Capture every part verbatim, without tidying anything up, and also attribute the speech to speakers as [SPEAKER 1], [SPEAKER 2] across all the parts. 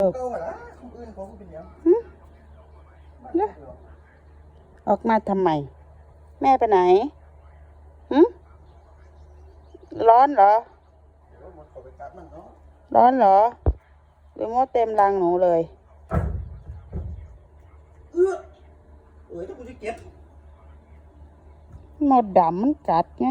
[SPEAKER 1] เนี่ยออกมาทำไมแม่ไปไหนหืมร้อนเหรอร้อนเหรอหรือมดเต็มรังหนูเลย
[SPEAKER 2] เออเอ้ยถ้ากูจะเก็บ
[SPEAKER 1] หมดดำมันกัดไง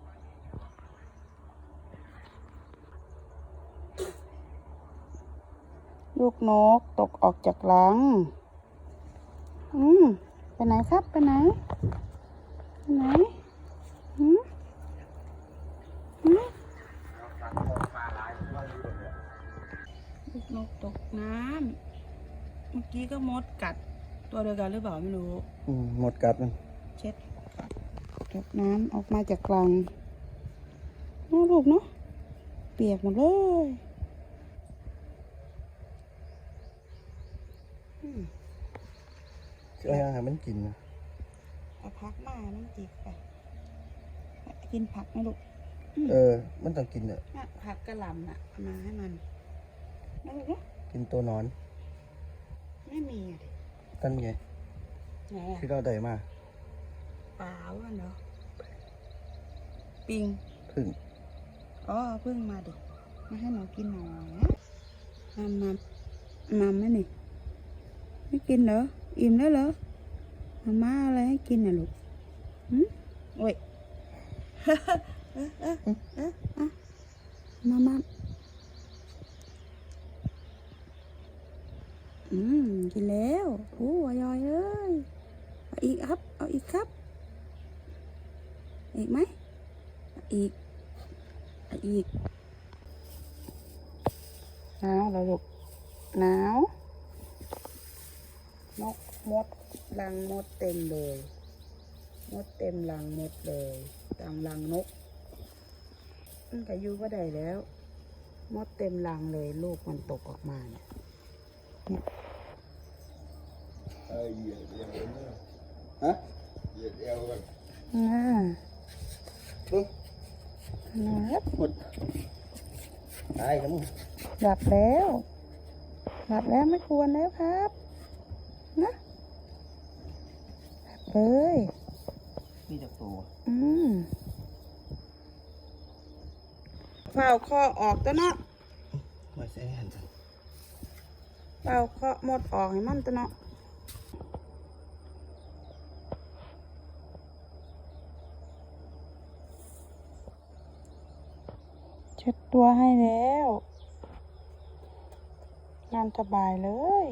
[SPEAKER 1] ลูกนกตกออกจากรังอืมไปไหนครับไปไหนไปไหนอืมอืมลูกนกตกน้ำเมื่อกี้ก็มดกัดตัวเดียวกันหรือเปล่าไม่รู้
[SPEAKER 2] อืมหมดกัดมัน
[SPEAKER 1] เช็ดตกน้ำออกมาจากรังน้องลูกเนาะเปียกหมดเลย
[SPEAKER 2] เชื่อยังไงมันกินนะ
[SPEAKER 1] เอาผักมามันจิกไปกินผักไหมลูก
[SPEAKER 2] เออมันต้องกินเนี่ย
[SPEAKER 1] ผักกระหล่ำน่ะมาให้มันนะลูกเนาะ
[SPEAKER 2] กินตัวนอน
[SPEAKER 1] ไม่มีอ่ะ
[SPEAKER 2] ตั้นไง
[SPEAKER 1] ไงอ่ะ
[SPEAKER 2] ที่เราได้มา
[SPEAKER 1] เปล่าวันเหรอปิง
[SPEAKER 2] พึ่ง
[SPEAKER 1] อ๋อพึ่งมาดิมาให้หนูกินหน่อยนะมัมมัมมัมไหมนี่ไม่กินเหรออิ่มแล้วเหรอมาม่าอะไรให้กินน่ะลูกหืมโอ้ยเออเออเออเออมาม่าอืมกินแล้วโอ้อร่อยเลยเอาอีกครับเอาอีกครับอีกไหมอีกอีกหนาวแล้วลูกหนาวนกมดรังมดเต็มเลยมดเต็มรังมดเลยตามรังนกมันก็อยู่ก็ได้แล้วมดเต็มรังเลยลูกมันตกออกมาเนี่ยเนี่ย
[SPEAKER 2] ฮะเหยียดเอวกัน
[SPEAKER 1] อ่า
[SPEAKER 2] ปึ๊บ
[SPEAKER 1] นะครับ
[SPEAKER 2] หมดตายครับมึง
[SPEAKER 1] หลับแล้วหลับแล้วไม่ควรแล้วครับนะหลับเลย
[SPEAKER 2] มีแต่ตัว
[SPEAKER 1] อืมเป่าคอออกตัวเนาะ
[SPEAKER 2] มาใส่หันจัง
[SPEAKER 1] เป่าคอหมดออกให้มันตัวเนาะเช็ดตัวให้แล้วนอนสบายเลย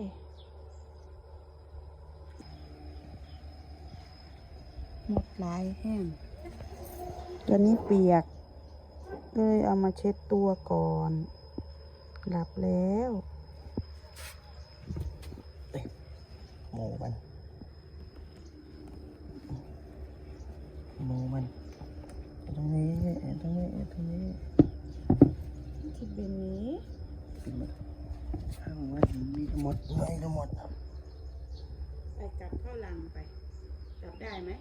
[SPEAKER 1] หมดลายแห้งตัวนี้เปียกเลยเอามาเช็ดตัวก่อนหลับแล้ว
[SPEAKER 2] โมมันโมมันตรงนี้ตรงนี้ตรงนี้
[SPEAKER 1] ที่เป็นนี้
[SPEAKER 2] กินหมดข้างว่ามีทั้งหมดไม่ทั้งหมด
[SPEAKER 1] ไปกลับเข้าลังไปกลับได้ไหม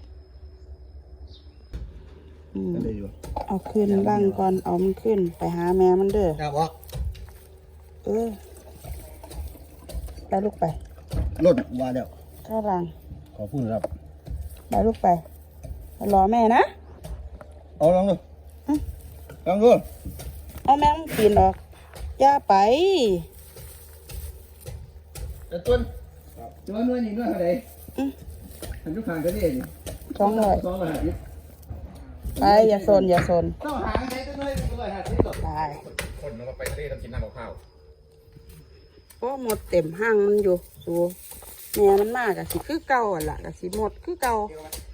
[SPEAKER 2] ได้อยู่
[SPEAKER 1] เอาขึ้นล่างก่อนเอามันขึ้นไปหาแม่มันเด้อ
[SPEAKER 2] ครับบอก
[SPEAKER 1] เออไปลูกไป
[SPEAKER 2] รถว่าเดี๋ยว
[SPEAKER 1] เข้าลัง
[SPEAKER 2] ขอพูดครับ
[SPEAKER 1] ไปลูกไปรอแม่นะ
[SPEAKER 2] เอาลองดูลองดู
[SPEAKER 1] เอาแม่มันปีนออกย่าไป
[SPEAKER 2] แต่ต้นตัวนู้นนี่นู้นอะไรทำทุกทางก็ได้ดิ
[SPEAKER 1] สองร้อย
[SPEAKER 2] สองร้อยห้าสิบ
[SPEAKER 1] ไปอย่าโซนอย่าโซน
[SPEAKER 2] ต้องหาใช้ตัวนู้นสองร้อยห้าสิบ
[SPEAKER 1] ไป
[SPEAKER 3] คนเราไปทะเลต้องกินน้ำข้าว
[SPEAKER 1] โอ้หมดเต็มห้างมันอยู่สูแม่มันมากอะสิคือเก่าอ่ะล่ะกะสิหมดคือเก่า